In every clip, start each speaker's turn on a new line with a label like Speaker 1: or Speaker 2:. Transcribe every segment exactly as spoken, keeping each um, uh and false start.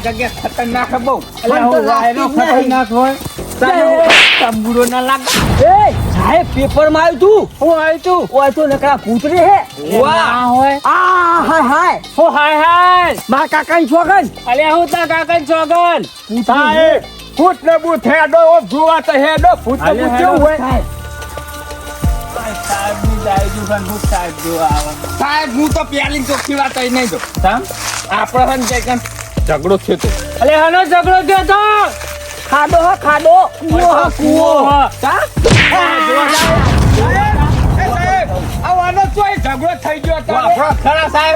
Speaker 1: જગ્યા ખતરનાક બહુ
Speaker 2: મને તો લાગતી જ નહીં.
Speaker 1: ખતરનાક હોય તંબુરો ના લાગ
Speaker 2: એ સાહેબ પેપર માં આવ્યું તું
Speaker 1: હું આવ્યું તું
Speaker 2: ઓય તો નકરા કૂતરી હે
Speaker 1: ના હોય
Speaker 2: આ હાય હાય
Speaker 1: હું હાય હાય
Speaker 2: મારા કાકાની છોકન
Speaker 1: અલ્યા હું તા કાકા ચોગન
Speaker 2: સાહેબ
Speaker 1: ફૂટ ને બૂટ હેડો જોવા તો હેડો ફૂટ ને બૂટ કેવું હોય
Speaker 2: સાહેબ
Speaker 1: સાહેબ ની જાયજુ પણ ફૂટ સાહેબ જોવા આવે સાહેબ હું તો પ્યાલી ચોખ્ખી વાત અહીં નહીં જો તમ આપણે હન કઈ કન ઝઘડો થયો તો અલે હનો ઝઘડો થયો તો
Speaker 2: ખાડો હો ખાડો કૂવો હો કૂવો
Speaker 1: કા આવાનો તોય ઝઘડો થઈ ગયો તો ખરા સાહેબ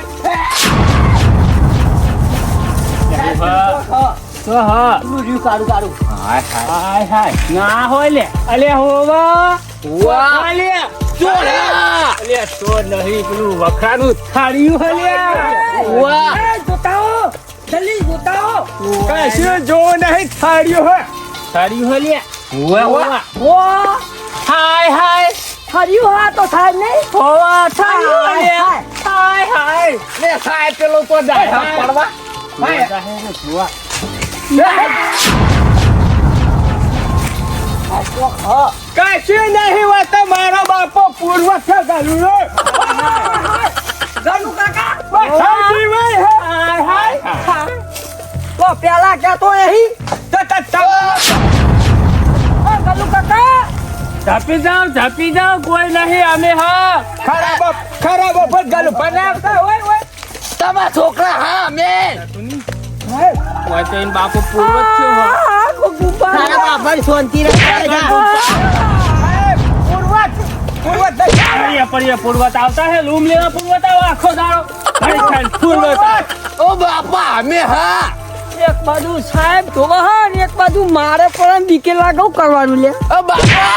Speaker 1: તો હા
Speaker 2: રૂ કાઢું કાઢું
Speaker 1: હાય હાય હાય ના હોય લે અલે હોવા
Speaker 2: વાહ.
Speaker 1: અલે ચોરા અલે ચોર નહીં પેલું વખરાનું થાળિયું હલે
Speaker 2: વાહ એ જોતાઓ જલ્દી જોતાઓ
Speaker 1: કશું જો નહીં થાળિયું હે થાળિયું હલે વાહ વાહ
Speaker 2: વાહ
Speaker 1: હાય હાય
Speaker 2: હર્યું હા તો સાહેબ નહીં
Speaker 1: હોવા થાળિયું હલે
Speaker 2: હાય.
Speaker 1: હાય હાય લે સાહેબ પેલો તો જાય પડવા હાય જોવા કશું નહીં વાત મારો બાપો પૂર્વ છે ગાલું
Speaker 2: ગણુ કાકા
Speaker 1: હાય હાય
Speaker 2: તો પેલા કહેતો નહીં
Speaker 1: તો તો
Speaker 2: ગણુ કાકા
Speaker 1: ઝાપી જાઓ ઝાપી જાઓ કોઈ નહીં અમે હા ખરાબ ખરાબ પર ગાલું બનાવતા હોય હોય
Speaker 2: તમારા છોકરા હા મેં
Speaker 1: હોય તો એન બાપો પૂર્વ જ છે હો
Speaker 2: તારા બાપા શાંતિ રાખે
Speaker 1: પૂર્વત પૂર્વત પડિયા પડિયા પૂર્વત આવતા હે રૂમ લેવા પૂર્વત આવો આખો દાડો ઘડી ખાઈ પૂર્વત
Speaker 2: ઓ બાપા અમે હા એક બાજુ સાહેબ ધોવા હા ને એક બાજુ મારે પણ બીકે લાગવ કરવાનું લે ઓ બાપા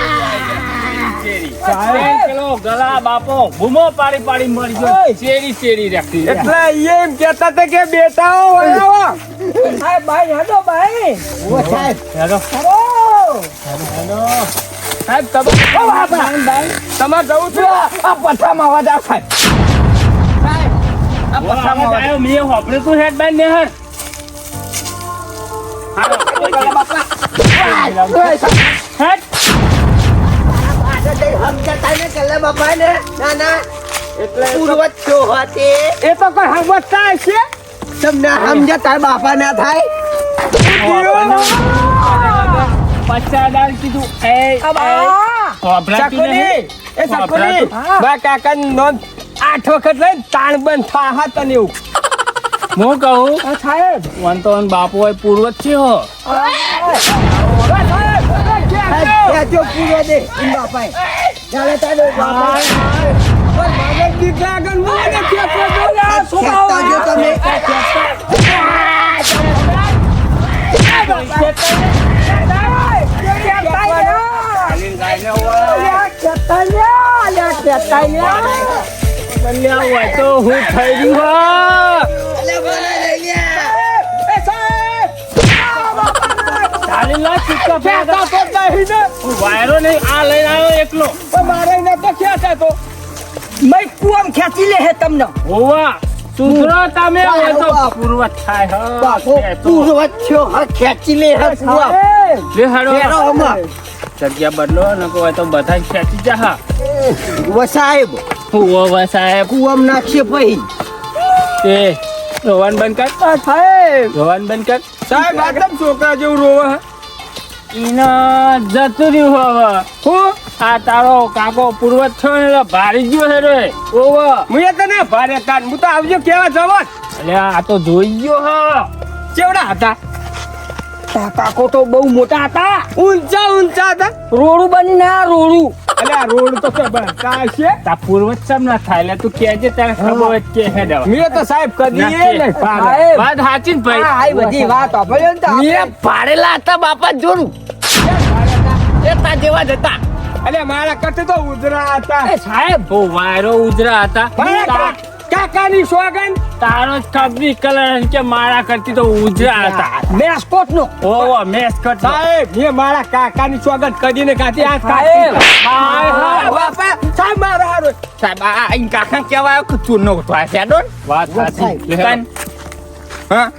Speaker 1: સાહેબ પેલો ગલા બાપો ભૂમો પાડી પાડી મરી ગયો ચેરી ચેરી રાખી એટલે એમ કહેતા હતા કે બેટાઓ આવો
Speaker 2: સાહેબ ભાઈ હેડો ભાઈ ઓ સાહેબ
Speaker 1: હેલો
Speaker 2: હેડો
Speaker 1: સાહેબ તમે ઓ બાપા તમારે જવું છે આ પથામાં અવાજ આવ સાહેબ સાહેબ આ પથામાં અવાજ આવ્યો મેં હોપડે તું હેડ બાઈ ને હેડ
Speaker 2: બાપા
Speaker 1: હેડ
Speaker 2: સમજતા ને કલે બાપા ને ના ના એટલે પૂર્વજ છો હતી
Speaker 1: એ તો કોઈ સમજતા હશે
Speaker 2: તમને સમજતા બાપા ના થાય
Speaker 1: પચાસ હજાર કીધું એ
Speaker 2: ચકોલી,
Speaker 1: એ ચકોલી બા કાકા નોંધ આઠ વખત લઈને તાણ બંધ થા હા તને એવું હું કહું
Speaker 2: સાહેબ
Speaker 1: વન તો વન બાપુ હોય પૂર્વજ છે હો
Speaker 2: જો પૂરો દે ઇન બાપા ચાલે ચાલે બાપા
Speaker 1: પણ મારે દીકરા આગળ મને કે બોલ્યા
Speaker 2: ખેંચતા જો તમે
Speaker 1: તો હું થઈ ગયું વાયરો નહીં આ લઈને આવ્યો એકલો મારે તો ક્યાં તો
Speaker 2: મેં કુવામ ખેંચી લે હે તમને
Speaker 1: હોવા સુધરો તમે હોય તો પૂર્વજ થાય
Speaker 2: બાપો પૂર્વજ છો હા ખેંચી લે હે કુવામ
Speaker 1: લે હાડો
Speaker 2: ફેરો હમણાં.
Speaker 1: જગ્યા બદલો ન કોઈ તો બધા ખેંચી જા
Speaker 2: ઓ સાહેબ
Speaker 1: હું ઓ સાહેબ
Speaker 2: કુવામ નાખશે પછી
Speaker 1: એ રોવાન બંધ કર
Speaker 2: સાહેબ
Speaker 1: રોવાન બંધ કર સાહેબ આટલા છોકરા જેવું રોવા ઈના જતું રહ્યું હવે હું આ તારો કાકો પૂર્વજ છો ને ભારી ગયો છે રે ઓવો હું તને ભારે કાન હું તો આવજો કેવા જવા એટલે આ તો જોઈ ગયો હા કેવડા હતા
Speaker 2: તા કાકો તો બહુ મોટા હતા
Speaker 1: ઊંચા ઊંચા હતા
Speaker 2: રોડું બનીને આ રોડું
Speaker 1: એટલે આ રોડ તો ખબર કા છે તા પૂર્વજ સમ ના થાય એટલે તું કેજે તારે ખબર જ કે હે દવા મેં તો સાહેબ કદી એ નહીં
Speaker 2: સાહેબ.
Speaker 1: વાત સાચી ને ભાઈ
Speaker 2: આ આઈ બધી વાત આપણે ને તો
Speaker 1: મેં
Speaker 2: પાડેલા હતા બાપા જોરું એતા જેવા જ હતા
Speaker 1: અલે મારા કટ તો ઉજરા હતા
Speaker 2: એ સાહેબ
Speaker 1: ઓ વાયરો ઉજરા હતા
Speaker 2: મારા
Speaker 1: કાકાની સોગન તારો જ કબી કલર કે મારા કરતી તો ઉજરા હતા
Speaker 2: મેસ્કોટ નો
Speaker 1: ઓવો મેસ કટ સાહેબ મે મારા કાકાની સોગન કદીને કાતી આ
Speaker 2: સાહેબ.
Speaker 1: હાય હાય
Speaker 2: બાપા
Speaker 1: સાહેબ મારા હારો
Speaker 2: સાહેબ આ આ કાકા કેવાય કે ચૂનો તો આ શેડો
Speaker 1: વાત
Speaker 2: સાચી.
Speaker 1: હા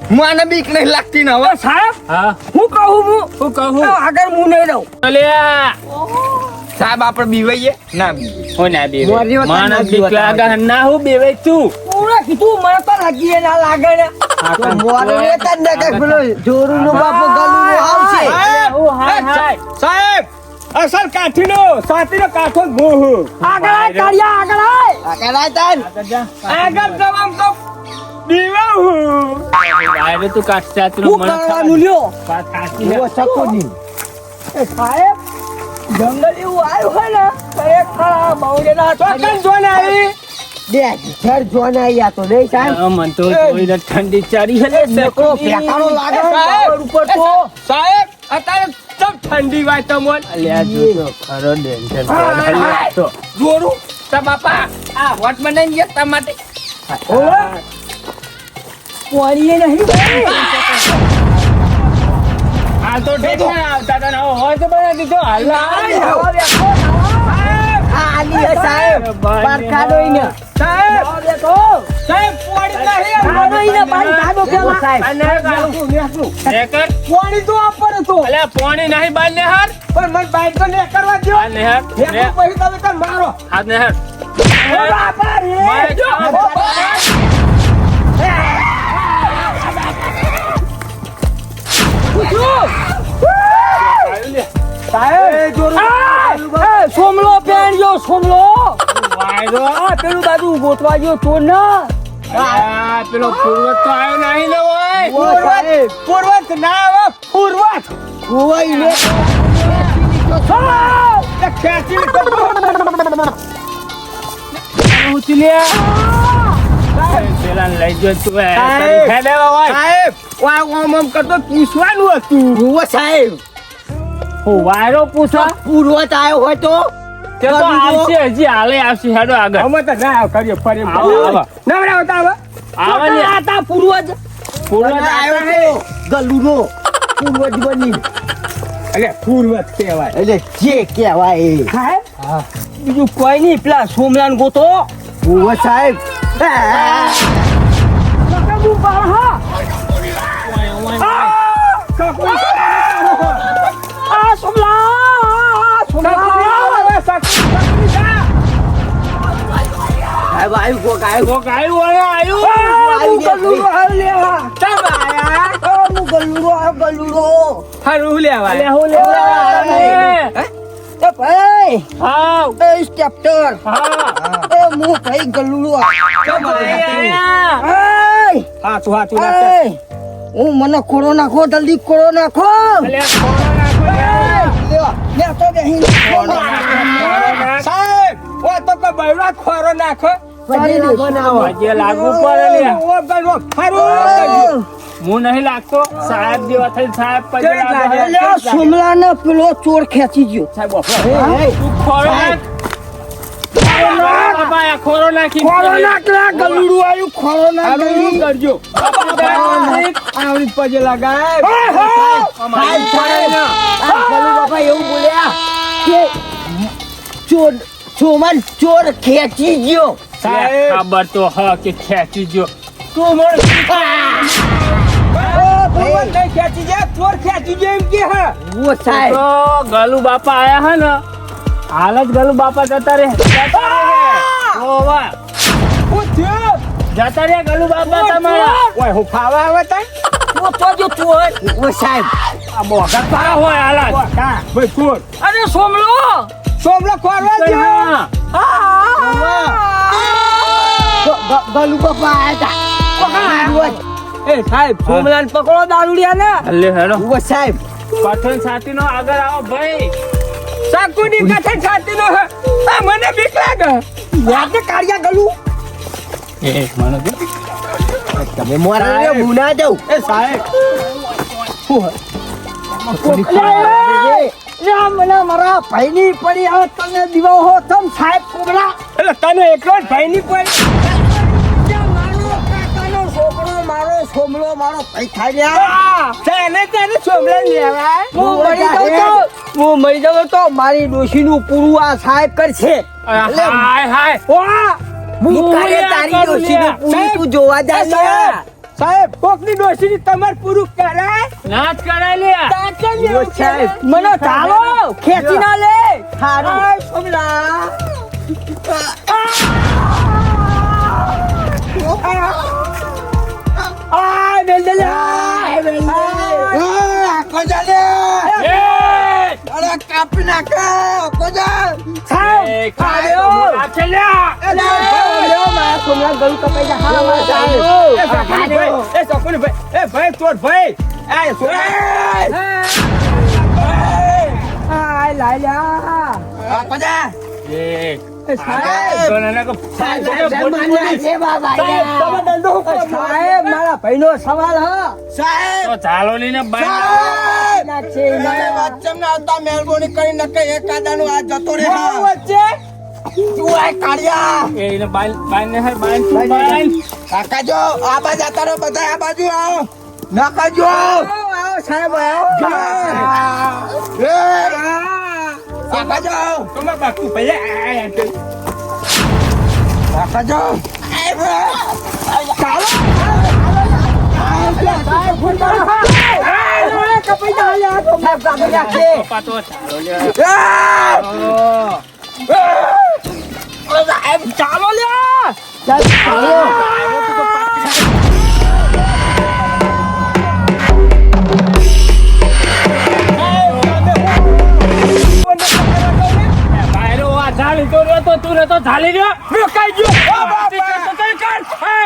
Speaker 2: હું આને બીક નહીં લાગતી ને હવે
Speaker 3: સાહેબ
Speaker 1: હા
Speaker 3: હું કહું હું
Speaker 1: હું કહું
Speaker 3: આગળ હું નહીં રહું
Speaker 1: અલ્યા
Speaker 2: સાહેબ આપણે બીવાઈએ ના બીવાઈએ.
Speaker 1: હો ના બે
Speaker 2: મોરી વખત ના
Speaker 1: માણસ
Speaker 2: જીવત
Speaker 1: બીક લાગે હે. ના હું બેવે તું
Speaker 3: પૂરા કીધું મને તો લાગી ના લાગે ને
Speaker 2: તો મોરે ને તને ને કઈ પેલો જોરુનો બાપો ગલુનો આવશે.
Speaker 1: અલ્યા, હું હાય હાય
Speaker 3: સાહેબ અસલ કાઠીનો સાતીનો કાઠો જ હું હું આગળ આય કાળિયા આગળ આય
Speaker 2: આ કરાય તાન
Speaker 1: આગળ જા
Speaker 3: આગળ જવામ તો દીવા હું
Speaker 1: વાયરે તું કાઢ ચાતરો
Speaker 2: હું
Speaker 1: મને
Speaker 2: કરવાનું લ્યો
Speaker 1: વાત સાચી હે.
Speaker 2: ઓ સકોની
Speaker 3: એ સાહેબ જંગલ એવું આવ્યું હોય ને ખરેખર આ બહુડેના ચોકન જોને આવી
Speaker 2: દે ઘર જોને આયા તો નહીં સાહેબ
Speaker 1: હા, મને તો જોઈને ઠંડી ચારી હે લે
Speaker 2: નકરો ફેકારો લાગે
Speaker 3: સાહેબ
Speaker 2: ઉપર તો
Speaker 3: સાહેબ અત્યારે ચમ ઠંડી વાય તમોન
Speaker 1: અલ્યા જો તો ખરો ડેન્જર અલ્યા તો
Speaker 3: જોરું
Speaker 2: તા બાપા આ વોટ બનાવી ગયા તા માટે
Speaker 3: ઓવે પાણીએ નહીં
Speaker 1: આ તો ઠેઠ આવતા તને હોય તો બના દીધો હાલ
Speaker 2: આલી હે સાહેબ પારખાડો ઈને
Speaker 3: સાહેબ સાહેબ પાણી નહીં
Speaker 2: ખાડો ઈને પાણી ખાડો પેલા સાહેબ
Speaker 1: નેકર
Speaker 3: પાણી તો આપણ તો
Speaker 1: અલ્યા પાણી નહીં બાર ને હાર
Speaker 3: પણ મને બાઈક તો ને કરવા દો
Speaker 1: હાલ ને હાર
Speaker 3: એક પછી તમે કર મારો
Speaker 1: હાથ ને હાર
Speaker 3: બાપા રે
Speaker 1: મારે ખાવા.
Speaker 3: સાહેબ જોરું સોમલો પેણ્યો સોમલો
Speaker 1: વાયરો
Speaker 3: આ પેલું બાજુ ગોતવા ગયો તો ના
Speaker 1: અલ્યા, પેલો પૂર્વજ તો આવ્યો નહીં ને હોય
Speaker 3: પૂર્વત પૂર્વત ના આવે પૂર્વત
Speaker 2: કોઈ ને
Speaker 3: એ ખેંચી
Speaker 1: પેલા લઈ જો તું એ.
Speaker 3: સાહેબ.
Speaker 1: હેડે હોય
Speaker 3: સાહેબ વા ઓમ ઓમ કરતો પૂછવાનું હતું
Speaker 2: ઓ સાહેબ
Speaker 1: હું વાયરો પૂછા
Speaker 2: પૂર્વત આવ્યો હોય તો
Speaker 1: તે તો આવશે હજી હાલે આવશે હેડો આગળ
Speaker 3: અમે તો ના આવ કરીએ ફરી
Speaker 1: આવો, આવો.
Speaker 3: નવરા આવતા હવે
Speaker 1: આવે ને
Speaker 2: આ તા પૂર્વજ
Speaker 1: પૂર્વજ
Speaker 2: આવ્યો તો ગલુનો પૂર્વજ બની
Speaker 3: એટલે પૂર્વત કહેવાય
Speaker 2: એટલે જે કહેવાય એ
Speaker 3: સાહેબ બીજું કોઈ નહીં પેલા સોમલાન ગોતો
Speaker 2: ઓ સાહેબ
Speaker 3: આ સોમલા સોમલા
Speaker 2: સાહેબ આવ્યું કોક આવ્યું
Speaker 1: કોક આવ્યું હોય આવ્યું
Speaker 2: આવી ગયા.
Speaker 3: હારું લેવા
Speaker 1: અલ્યા હું લેવા આવ્યો
Speaker 2: એ ભાઈ
Speaker 1: હાવ
Speaker 2: એ સ્ટેપ્ટર
Speaker 1: હા
Speaker 2: એ હું ભાઈ ગલુડો
Speaker 1: આયા.
Speaker 3: હાચું હાચું
Speaker 2: એ હું મને ખોડો નાખો જલ્દી ખોડો નાખો
Speaker 1: અલ્યા ખોળો નાખો લ્યા.
Speaker 2: લે લે તો બેહી
Speaker 3: સાહેબ ઓ તો કે બૈરા ખોરો નાખો
Speaker 1: આજે લાગુ પડે લ્યા.
Speaker 3: ઓ બૈરો હારું
Speaker 1: હું નહીં લાગતો સાહેબ જેવા થઈ સાહેબ પછી
Speaker 3: કેવી
Speaker 1: લાગે.
Speaker 3: લાગે?
Speaker 2: એટલે સોમલા ને પેલો ચોર ખેંચી ગયો
Speaker 1: સાહેબ બાપા. તું ખોળો નાખ. બાબા, આ ખોળો નાખી
Speaker 2: ખોડો નાખ લે ગલુડું આવ્યું ખોડો નાખ
Speaker 3: હારું કરજો આવડી પજે લગાય
Speaker 2: સાહેબ સાહેબ આ ગલુ બાપા એવું બોલ્યા કે ચોર સોમન ચોર ખેંચી ગયો
Speaker 1: સાહેબ ખબર તો હ કે ખેંચી ગયો તું મને
Speaker 3: ભગવાન કઈ ખેંચી જાય ચોર ખેંચી જાય એમ કે હા
Speaker 2: ઓ સાહેબ
Speaker 1: તો ગલુ બાપા આયા હે ને હાલ જ ગલુ બાપા જતા રે જતા રે ઓ વાહ
Speaker 3: હું થયો
Speaker 1: જતા રે ગલુ બાપા તમારા
Speaker 3: ઓય હું ફાવા આવે તા
Speaker 2: ઓ તો જો ચોર ઓ સાહેબ
Speaker 1: આ બોગા પારા હોય હાલ જ.
Speaker 3: કા ભાઈ ચોર
Speaker 1: અરે સોમલો
Speaker 3: સોમલો ખોરવા દે
Speaker 2: ગલુ બાપા આવ્યા
Speaker 3: એ સાહેબ સોમલાન પકડો દારૂડિયા ને
Speaker 1: અલે હેડો
Speaker 2: ઓ સાહેબ
Speaker 1: પઠન સાથી નો આગળ આવો ભાઈ
Speaker 3: સાકુની કથન છાતી નો આ મને બીક લાગે
Speaker 2: યાદ કાઢ્યા ગલુ
Speaker 1: એ મને કે
Speaker 2: તમે મોરા રે મુના જાવ
Speaker 3: એ સાહેબ
Speaker 2: મને મારા ભાઈની પડી હવે તમે દીવા હો તમ સાહેબ કોબરા
Speaker 3: એટલે તને એકલો જ ભાઈ ની કોઈ
Speaker 2: મારો કાકાનો છોકરો મારો સોમલો મારો ભાઈ થાય રહ્યા
Speaker 3: તેને તેને સોમલા લેવાય
Speaker 2: હું મરી જાઉં તો હું મરી જાઉં તો મારી ડોશીનું પૂરું આ સાહેબ કરશે એટલે
Speaker 1: હાય હાય
Speaker 3: વાહ
Speaker 2: હું
Speaker 1: હું
Speaker 2: કાલે
Speaker 1: યા
Speaker 2: તારી
Speaker 1: કરું
Speaker 2: ડોશીનું
Speaker 1: લ્યા.
Speaker 2: પૂરું
Speaker 3: સાહેબ,
Speaker 2: તું જોવા જા
Speaker 3: એ સાહેબ, સાહેબ કોકની ડોશીની તમાર પૂરું કરાય
Speaker 1: ના જ કરાય લે
Speaker 3: તાકે
Speaker 2: ઓ સાહેબ.
Speaker 3: મને ચાલો ખેંચી ના લે
Speaker 2: હારું.
Speaker 3: આય સોમલા આય બેલદલા બેલદલા
Speaker 2: કોજા લે
Speaker 1: એ
Speaker 2: અરે કાપી નાખે કોજા
Speaker 3: સાહેબ ખાયો
Speaker 1: આ છે લ્યા
Speaker 3: અલે લ્યો મારા સોમલા ગળું કપાઈ જા હા મારા સાહેબ
Speaker 1: એ સકુની ભાઈ એ સકુની ભાઈ એ ભાઈ તોડ ભાઈ આ સોના
Speaker 3: આય લાયલા
Speaker 2: કોજા
Speaker 1: એ
Speaker 3: સાહેબ
Speaker 1: સોનાના કો
Speaker 2: સાહેબ સાહેબ માનના છે બાબા
Speaker 3: સાહેબ તમે દંડો હુકમ સાહેબ મારા ભાઈનો સવાલ હ
Speaker 2: સાહેબ
Speaker 1: તો ચાલો લઈને બાય
Speaker 2: સાહેબ
Speaker 3: ના છે
Speaker 2: મારે વચ્ચમ ના આવતા મહેરબાની કરી નકે એક કાદાનું આ જતો રે હા
Speaker 3: વચ્ચે
Speaker 2: તું આ કાઢ્યા
Speaker 1: એ એને બાય બાય ને હે બાય તું બાય
Speaker 2: કાકા જો આ બાજુ જતા રહો બધા આ બાજુ આવો નાકાજો
Speaker 3: આવો આવો સાહેબ આવો
Speaker 2: કાકાજો
Speaker 1: તમાર બાકુ ભાઈ આ
Speaker 2: કાકાજો ચાલો
Speaker 3: સાહેબ ફોન કરો કપાઈ જા લે તો સાહેબ કાપી નાખે
Speaker 1: પપ્પા તો ચાલો લે
Speaker 3: ચાલો લે
Speaker 1: બાયરો આ ઝાલી તો રહ્યો તો તું રે તો ઝાલી રહ્યો રોકાઈ ગયો તો કઈ કર હે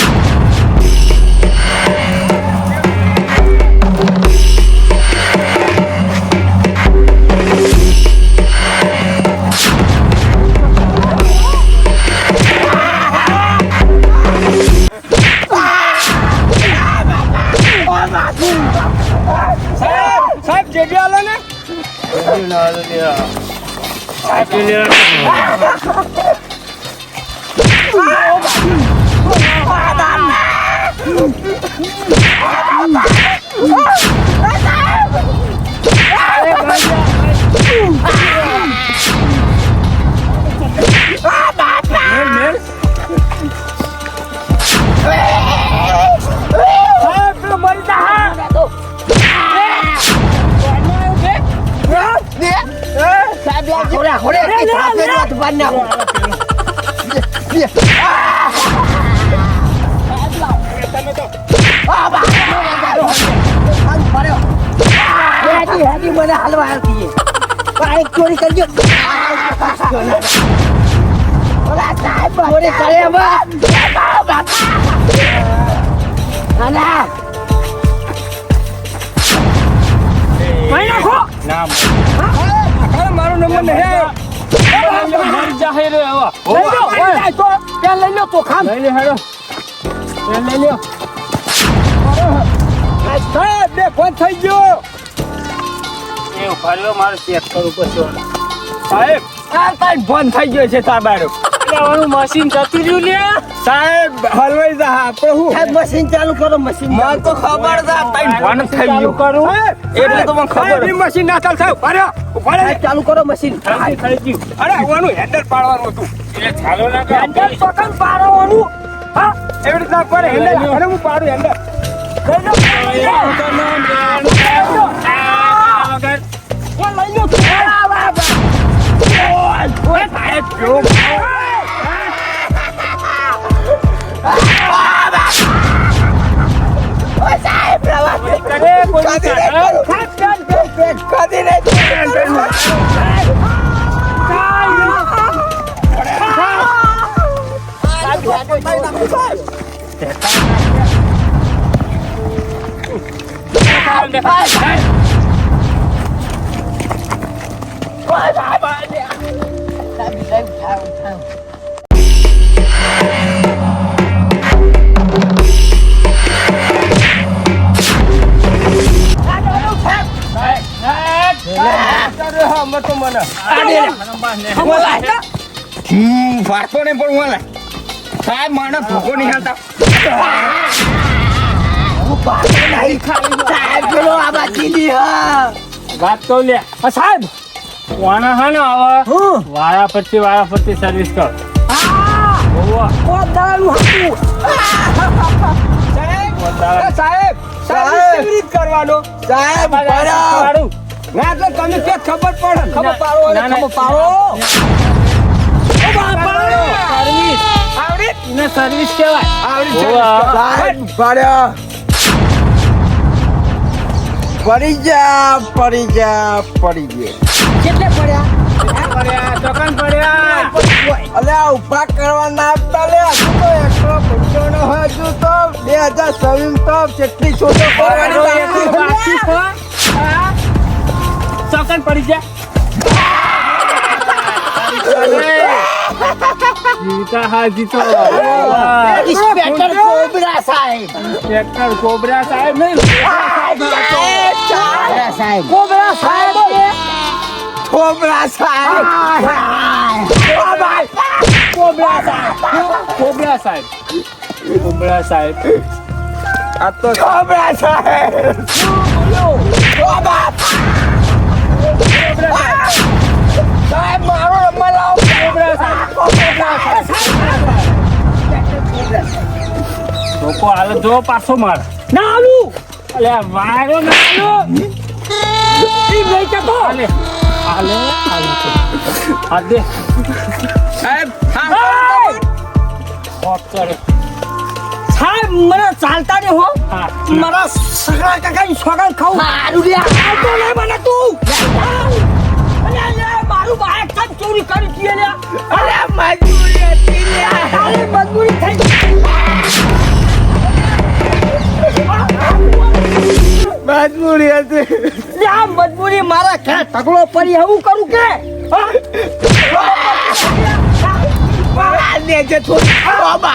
Speaker 3: સાહેબ સાહેબ જેડી આલો ને સાહેબ પેલો મરી જા
Speaker 2: સાહેબ ખોડે ખોડે સાહેબ બાંધ નાખો મને હાલવા આવતી ચોરી કરજો સાહેબ ચોરી કરે
Speaker 1: નામ
Speaker 3: મારો નંબર નહીં
Speaker 1: મરી જાહે રે હવે
Speaker 3: લઈ લો તો ત્યાં લઈ લો તો ખામ
Speaker 1: લઈ લે હેડો એ લઈ લ્યો
Speaker 3: સાહેબ બે ફોન થઈ ગયો
Speaker 1: એ ઉભાર્યો મારે ચેક કરવું પડશે
Speaker 3: સાહેબ આ તાઈ ફોન થઈ ગયો છે તાબારો
Speaker 1: લેવાનું મશીન જતું રહ્યું લે
Speaker 3: સાહેબ હલવાઈ જા આપણે હું
Speaker 2: સાહેબ મશીન ચાલુ કરો મશીન
Speaker 3: મને તો ખબર છે તાઈ ફોન થઈ ગયો
Speaker 1: કરું
Speaker 3: એટલે તો મને ખબર છે મશીન ના ચાલ સાહેબ અરે ઉભા રે
Speaker 2: સાહેબ ચાલુ કરો મશીન
Speaker 1: થઈ ગયું
Speaker 3: અરે આવવાનું હેન્ડલ પાડવાનું હતું
Speaker 1: એટલે ચાલો ના કર
Speaker 3: હેન્ડલ પકડ પાડવાનું હા એવી રીતના કરે હેન્ડલ અરે હું પાડું હેન્ડલ લઈ લો લઈ લો તું ઓય સાહેબ જો કરે કોઈ ખાસ ખાસ કદી નહીં હમ ફાટતો નહીં પણ હું સાહેબ માણસ ભૂખો નહીં હાલતા
Speaker 2: સાહેબ પેલો આ બાકી
Speaker 1: વાત તો લે આ સાહેબ વાના હા ને આવા વારા પરથી વારા પરથી સર્વિસ કર ઓવા
Speaker 3: સાહેબ
Speaker 1: વધારે.
Speaker 3: સાહેબ સાહેબ
Speaker 2: સાહેબ.
Speaker 3: કેવી રીત કરવાનો
Speaker 2: સાહેબ
Speaker 1: આ બધા
Speaker 2: બરાબર.
Speaker 1: શીખવાડું.
Speaker 3: ના એટલે તમે કે ખબર પડે ખબર
Speaker 1: ના,
Speaker 3: પાડો અને
Speaker 1: ના, ના.
Speaker 3: ખબર પાડો ઓ બાપા
Speaker 1: સર્વિસ
Speaker 3: આવડી
Speaker 1: એને સર્વિસ કહેવાય.
Speaker 3: આવડી
Speaker 1: ઓવા.
Speaker 2: સાહેબ બરાબર. પડી જા પડી જા પડી ગયા.
Speaker 3: કેટલે પડ્યા
Speaker 1: પડ્યા, ચોકન પડ્યા.
Speaker 2: અલે આ ઉભા કરવા ના આપતા લે. હજુ તો એકસો પંચાણું હોય. હજુ તો બે હજાર છવ્વીસ તો કેટલી છોટો
Speaker 1: મારો
Speaker 2: કરવાની
Speaker 1: એક
Speaker 2: બાકી
Speaker 1: બાકી
Speaker 2: છે.
Speaker 1: છે. હા. ચોકન પડી જા. જીવતા હા જીતો. વાહ.
Speaker 2: ઇન્સ્પેક્ટર કોબરા સાહેબ.
Speaker 1: ટ્રેક્ટર કોબરા સાહેબ નહીં.
Speaker 2: કોબરા સાહેબ.
Speaker 3: કોબરા સાહેબ
Speaker 2: કોબરા સાહેબ.
Speaker 1: કોબરા સાહેબ. કોબરા સાહેબ. કોબરા સાહેબ.
Speaker 2: આ તો કોબરા સાહેબ. કોબરા સાહેબ મારો નંબર લાવો.
Speaker 1: કોબરા સાહેબ. કોબરા સાહેબ. લોકો હાલ જો પાછો માર.
Speaker 3: ના આવું
Speaker 1: અલ્યા વાયરો ના આલો.
Speaker 3: ઈ લઈ જતો
Speaker 1: હાલે હાલે હાલે હાથ દે.
Speaker 3: સાહેબ
Speaker 1: હોટ કરે.
Speaker 3: સાહેબ મને ચાલતા ને હો
Speaker 1: હા.
Speaker 3: મારા સગા કાકાની સોગન ખાવું મારું લે આવતો નહીં મને તું અલે અલે મારું બાઈક તમ ચોરી કરી દીએ લે અરે મજબૂરી હતી લે અરે મજબૂરી થઈ
Speaker 2: મજબૂરી હતી.
Speaker 3: લે આ મજબૂરી મારા ઘરે ઢગલો પડી એવું કરું કે
Speaker 2: આ લેજે થોડી. કોબા.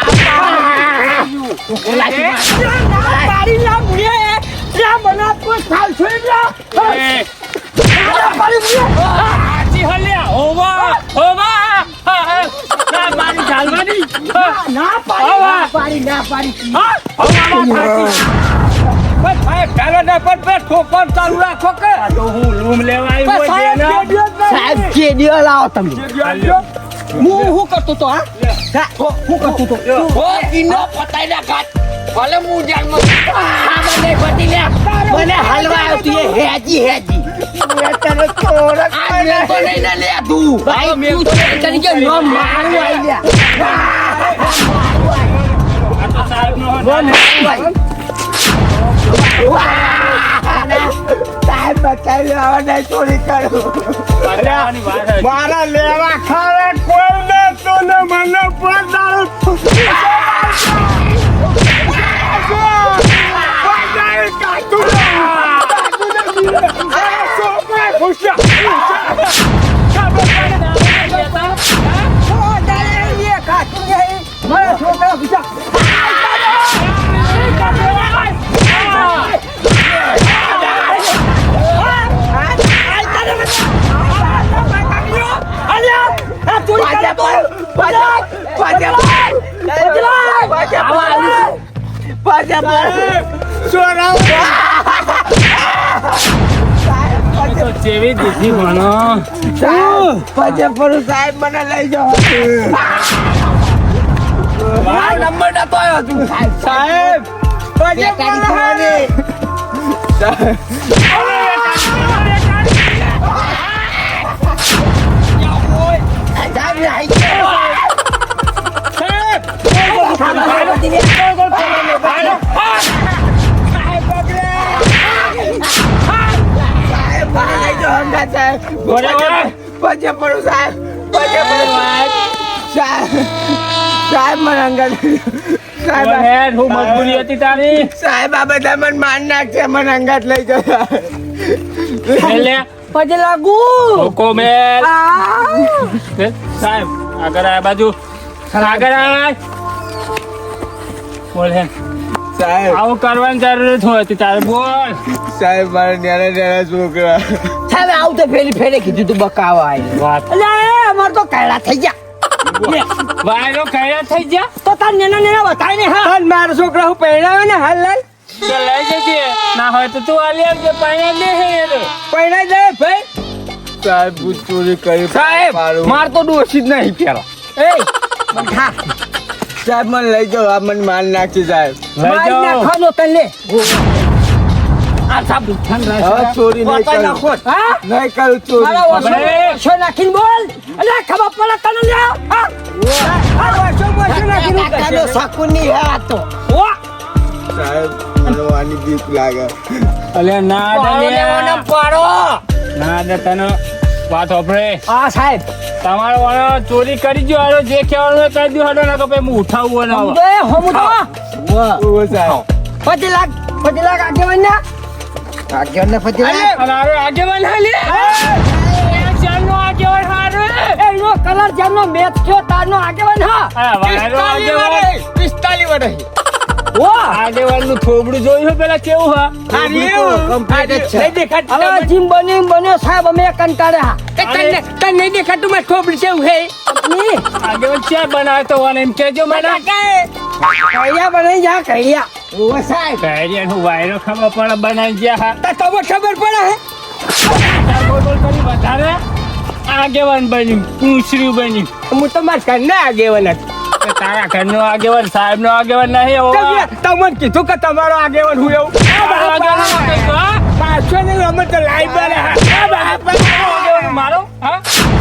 Speaker 3: તારી લા મુએ લે મને કોઈ ખાલ છોડી લે
Speaker 1: એ,
Speaker 3: મારી મુએ
Speaker 1: આજી હલ્યા. હોવા હોવા. હા, હા. ના મારી ચાલવાની. હા.
Speaker 3: ના પાડી ના પાડી ના પાડી
Speaker 1: હા. હોવામાં થાકી.
Speaker 3: બસ સાહેબ પહેલા પર પર ઠોકર ચાલુ રાખો કે
Speaker 1: આ તો હું લૂમ લેવા આવ્યો
Speaker 3: બસ
Speaker 1: છે
Speaker 3: સાહેબ
Speaker 1: ને.
Speaker 3: બે દિવસ નહીં.
Speaker 2: સાહેબ કેડીઓ લાવો તમે.
Speaker 1: હાલ્યો.
Speaker 3: હું હું કરતો તો હા હા, હું કરતો તો
Speaker 2: ઓ કિનો પતાઈ ના કાટ. ભલે હું જાણમાં આ મને પતી લે. મને હલવા આવતી એ હેજી હેજી. મેં તને થોડક આ મેં તો નહીં ને લે તું. ભાઈ તું તરીકે નો મારું આઈ લે.
Speaker 1: આ તો સાહેબનો હોટ.
Speaker 2: સાહેબ બચાવી લેવા નહીં ચોરી કરું.
Speaker 1: બચાવવાની વાત હતી.
Speaker 2: મારા લેવા ખાવા કોઈ ને તો ને મને પણ દારૂ
Speaker 3: મારા છોકરા પૂછા
Speaker 1: તો જેવી દીધી ભણો.
Speaker 2: સાહેબ મને લઈ જાઓ. મારો નંબર નતો આવ્યો તું સાહેબ. પજે પડું સાહેબ. પજે પડું સાહેબ. સાહેબ મને અંગત સાહેબ
Speaker 1: હેડ, હું મજબૂરી હતી તારી.
Speaker 2: સાહેબ આ બધા મને માર નાખશે. મને અંગાત લઈ જતા.
Speaker 1: એટલે
Speaker 3: પછી લાગુ
Speaker 1: લોકો મેલ. એ, સાહેબ આગળ આ બાજુ આગળ આય. બોલ હે
Speaker 2: સાહેબ
Speaker 1: આવું કરવાની જરૂર હોય હતી તારે. બોલ.
Speaker 2: સાહેબ મારા નાના નાના છોકરા.
Speaker 3: સાહેબ આવું તો ફેરી ફેરે કીધું તું બકાવા આવી
Speaker 1: વાત
Speaker 3: એટલે અમાર તો કાયડા થઈ ગયા
Speaker 1: વાયરો કયા થઈ ગયા.
Speaker 3: તો તાર નેના નેના બતાય ને હા મારો છોકરા હું પહેરાવે ને હાલ લાલ
Speaker 1: તો લઈ જજે. ના હોય તો તું આલી આવજે. પાણી દે હે રે.
Speaker 3: પહેરાઈ જાય ભાઈ
Speaker 2: સાહેબ હું ચોરી કરી
Speaker 3: સાહેબ
Speaker 2: મારું.
Speaker 3: માર તો ડોસી જ નહીં પેલો એ બંધા
Speaker 2: સાહેબ મને લઈ જાઓ આ મને માર નાખી સાહેબ
Speaker 1: લઈ
Speaker 3: મારી
Speaker 1: જાઓ
Speaker 3: નાખવાનો તને લે આ સાબ ઠંડ
Speaker 2: હવે
Speaker 3: રહેશે
Speaker 2: ચોરી નહીં કરું
Speaker 3: હા
Speaker 2: નહીં કરું ચોરી
Speaker 3: મારા
Speaker 1: આપણે-
Speaker 3: ઓછો ઓછો નાખીને બોલ અલે ખબર પડે તને લે હા આ ઓછો ઓછો નાખીને
Speaker 2: કાકાનો શકુની હે આ તો
Speaker 3: ઓ
Speaker 2: સાહેબ મને વાની બીક લાગે
Speaker 1: અલે ના
Speaker 3: પાડો લેવાનો
Speaker 1: દલિયા
Speaker 3: પાડો
Speaker 1: ના દે તને વાત હોભળે
Speaker 3: આ સાહેબ
Speaker 1: તમારો વાળો ચોરી કરી જો હાલો જે કહેવાનું હોય કહી દો હાલો ના કે ભાઈ હું ઉઠાવું ના
Speaker 3: બે હમુ તો
Speaker 2: ઓ સાહેબ
Speaker 3: પચી લાખ પચી લાખ આગેવાન ના
Speaker 2: આગળ ને પછી
Speaker 1: અરે અરે આગેવાન હાલે ચાલનો આગેવાન હારે
Speaker 3: એનો કલર જેમનો મેચ થયો તારનો આગેવાન હા
Speaker 1: આ વાયરો આગેવાન
Speaker 2: પિસ્તાલીસ વર્ષ
Speaker 3: ઓ
Speaker 1: આગેવાન નું થોબડું જોયું હોય પેલા કેવું હા
Speaker 2: કમ્પ્લીટ છે
Speaker 3: નહીં દેખાત હવે જીમ બની બન્યો સાહેબ અમે કંટાળ્યા
Speaker 1: તને
Speaker 3: તને નહીં દેખાતું મેં થોપડી છે હું હે ની
Speaker 1: આગેવાન ચા બનાવે તો વાને એમ કેજો મને
Speaker 3: કૈયા બનાઈ જા કૈયા
Speaker 2: ઓ સાહેબ
Speaker 1: કહેરિયા નું વાયરો ખબર પડે બનાવી ગયા હા
Speaker 3: તા તમને ખબર પડે હે
Speaker 1: બોલ બોલ કરી વધારે આગેવાન બન્યું પૂછડ્યું બન્યું
Speaker 3: હું તો માર ઘરના આગેવાન હતો
Speaker 1: તો તારા ઘરનો આગેવાન સાહેબ નો આગેવાન નહીં હોવા
Speaker 3: તમને કીધું કે તમારો આગેવાન હું એવું પાછો નહીં અમે તો લાઈવ બને
Speaker 1: મારો હા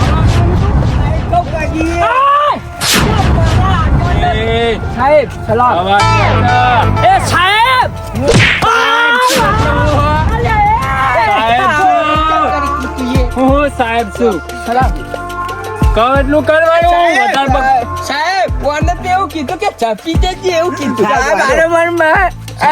Speaker 1: એ
Speaker 3: સાહેબ સલામ
Speaker 1: અવાજ
Speaker 3: એ સાહેબ
Speaker 1: હું સાહેબ છું
Speaker 3: સલામ
Speaker 1: કહો એટલું કરવાનું વધારે બક-
Speaker 3: સાહેબ કોને તો એવું કીધું કે ચપી દેજે એવું કીધું
Speaker 2: સાહેબ,
Speaker 3: મારે મનમાં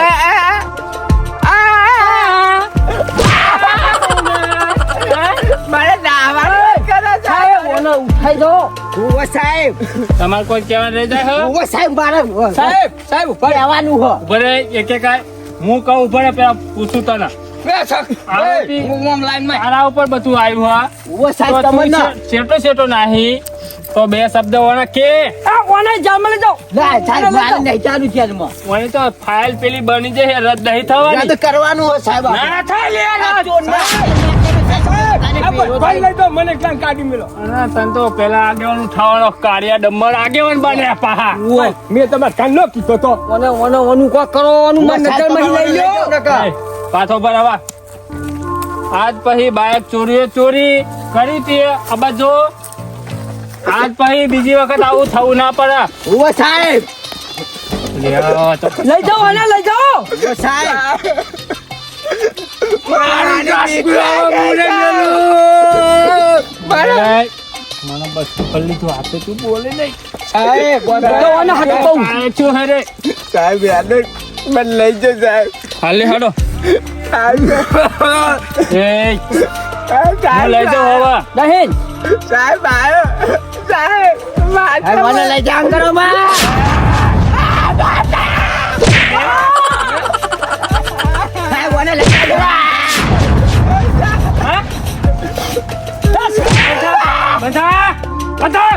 Speaker 3: મારે દાવાનું કરે સાહેબ ઓને ઉઠાઈ દો
Speaker 2: ઓ સાહેબ
Speaker 1: તમારે કોઈ કહેવા રહી જાય હો?
Speaker 2: ઓ સાહેબ મારે
Speaker 3: સાહેબ સાહેબ ઉપર આવવાનું હો
Speaker 1: ઉભો રહે એક એક આય. હું કહું ઉભો રહે પેલા પૂછું તને આરોપી તારા ઉપર બધું આવ્યું હા
Speaker 2: ઓ સાહેબ
Speaker 1: તો તું
Speaker 2: તમને
Speaker 1: છે- છેટો છેટો નાહી તો બે શબ્દ ઓને કે
Speaker 3: આ ઓને જામ લઈ જાઓ
Speaker 2: ના સાહેબ મારે નહીં ચાલુ છે આમાં.
Speaker 1: ઓને તો ફાઇલ પેલી બની જશે રદ નહીં થવાની
Speaker 2: રદ કરવાનું હોય સાહેબ
Speaker 1: ના થાય લે
Speaker 2: આ
Speaker 1: રદ.
Speaker 2: ચોરના.
Speaker 3: ભાઈ લઈ જાઓ મને ક્યાં કાઢી મેલો
Speaker 1: અને તને તો પેલા આગેવાન ઉઠાવવાનો કાળિયા ડમર આગેવાન બન્યા પાહા
Speaker 3: મેં તમારે કાન નો કીધો તો ઓને ઓને ઓનું કો કરવાનું મને નજર માં લઈ લ્યો
Speaker 1: એ, પાછો પર આવા આજ પછી બાઇક ચોરીએ ચોરી કરી હતી આ બાજુ આજ પછી બીજી વખત આવું થવું ના પડે
Speaker 2: ઓ સાહેબ
Speaker 1: લ્યો તો
Speaker 3: લઈ જાઓ ઓને લઈ જાઓ
Speaker 2: ઓ સાહેબ
Speaker 1: મને મને બસ પકડ લીધું હાથે તું બોલે નહીં
Speaker 2: સાહેબ
Speaker 3: તો ઓને હાથ કહું
Speaker 1: આ છું હરે
Speaker 2: સાહેબ યાદ મને લઈ જાઓ સાહેબ
Speaker 1: હાલે હાડો
Speaker 2: સાહેબ
Speaker 1: એ હું લઈ જાઉં હવે
Speaker 3: દહેન
Speaker 2: સાહેબ આયો સાહેબ મને લઈ જાઓ કરો સાહેબ મને લઈ જાઓ
Speaker 1: બધા બધા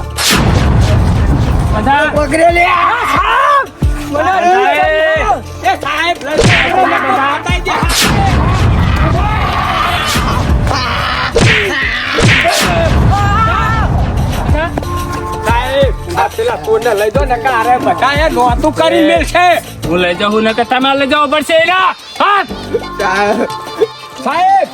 Speaker 1: બધા
Speaker 2: પકડે લે
Speaker 3: એ સાહેબ પેલા કોને લઈ દો ને કારે બધા નોતું કરી મેલશે
Speaker 1: હું લઈ જાઉં ને કે તમે લઈ જાવ પડશે એના હાથ
Speaker 3: સાહેબ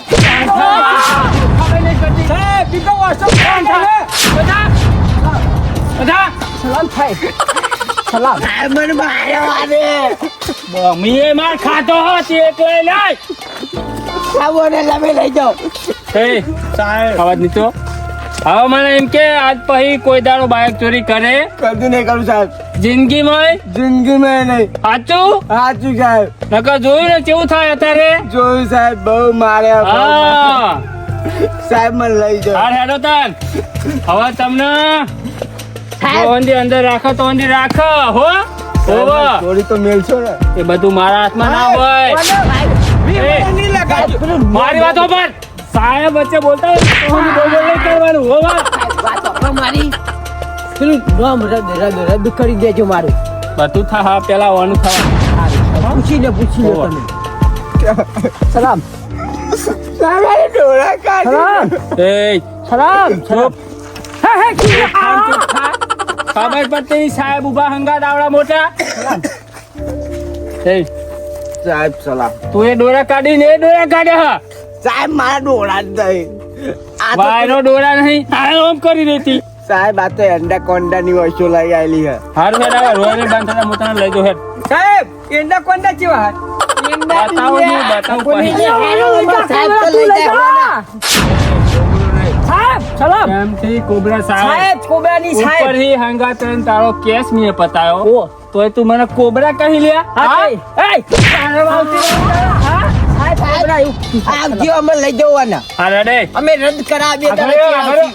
Speaker 3: સાહેબ બીજો વાસો કોણ છે
Speaker 1: બધા બધા
Speaker 3: સલામ થાય સલામ
Speaker 2: સાહેબ મને માર્યો આને
Speaker 1: મીએ માર ખાતો હતી એટલે લઈ
Speaker 2: સાહેબ મને લમે લઈ જાઓ
Speaker 1: એ સાહેબ અવાજ નીચો હવે મને એમ કે આજ પછી કોઈ દાડો બાઇક ચોરી કરે
Speaker 2: કદી નહીં કરું સાહેબ
Speaker 1: જિંદગીમાં
Speaker 2: જિંદગીમાં નહીં
Speaker 1: સાચું
Speaker 2: સાચું સાહેબ
Speaker 1: નકર જોયું ને કેવું થાય અત્યારે
Speaker 2: જોયું સાહેબ બહુ માર્યા બહુ
Speaker 1: હા
Speaker 2: માર્યા. સાહેબ મને લઈ જાઓ
Speaker 1: હાર હેડો તાન હવે તમને જો અંદી અંદર રાખો તો અંદી રાખો હો હોવે.
Speaker 2: થોડી તો મેલશો ને
Speaker 1: એ બધું મારા હાથમાં ના હોય એ,
Speaker 3: નહીં લગાડજો
Speaker 1: મારી વાતો પર સાહેબ વચ્ચે બોલતા હોય તો હું બોલ બોલ નહીં કરવાનું હોવા
Speaker 2: વાત આપો મારી પેલું નામ રદ રદ રદ કરી દેજો મારું
Speaker 1: બધું થા હા પેલા વાનું થવા
Speaker 2: પૂછીને પૂછીને
Speaker 1: ઓવા.
Speaker 2: તમે
Speaker 3: સલામ
Speaker 2: સારા ડોળા કાઢી
Speaker 3: સલામ
Speaker 1: એ
Speaker 3: સલામ
Speaker 1: ચૂપ
Speaker 3: હે હે કી
Speaker 1: ખાન ચૂપ થા ખબર પડતી સાહેબ ઉભા હંગાત આવડા મોટા એ
Speaker 2: સાહેબ સલામ
Speaker 1: તું એ ડોરા કાઢી ને એ ડોરા કાઢે હા
Speaker 2: સાહેબ મારા ડોળા જ નહીં આ તો
Speaker 1: વાયરો ડોરા નહીં આ ઓમ કરી દેતી
Speaker 2: સાહેબ આ તો એંડા કોંડા ની વસ્તુ લઈ આવેલી હે
Speaker 1: હારું હેડ આવે રોયને બાંધતા મોટા લઈ જો હેડ
Speaker 3: સાહેબ એંડા કોંડા કેવા
Speaker 1: બતાવો ને બતાવો પછી
Speaker 2: સાહેબ તો લઈ જાય
Speaker 3: સાહેબ ચલો
Speaker 1: કેમથી કોબરા સાહેબ
Speaker 3: સાહેબ કોબરાની સાહેબ
Speaker 1: ઉપરથી હંગાત રહીને તારો કેસ મેં પતાયો
Speaker 3: ઓ.
Speaker 1: તોય તું મને કોબરા કહી લ્યા
Speaker 3: હા
Speaker 1: હા?
Speaker 3: એ તારે વાવતી હા સાહેબ કોબરા એવું
Speaker 2: આવજો અમે લઈ જવાના
Speaker 1: હા રેડે
Speaker 2: અમે રદ કરાવીએ
Speaker 1: આગળ
Speaker 2: તમે
Speaker 1: આવો, આગળ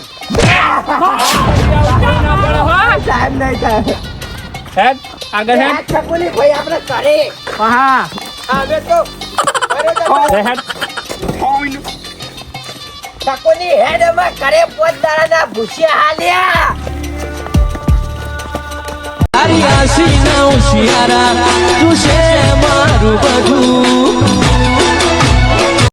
Speaker 1: આવો.
Speaker 2: સાહેબ નહીં થાય
Speaker 1: હેડ આગળ હેડ
Speaker 2: છકુલી ભાઈ આપણે કરે
Speaker 3: હા
Speaker 2: હવે તો
Speaker 1: લે હેડ
Speaker 2: છકુલી હેડ અમે કરે પોત દાડાના ભૂસ્યા હાલ્યા
Speaker 4: Ariasi não, Ciara.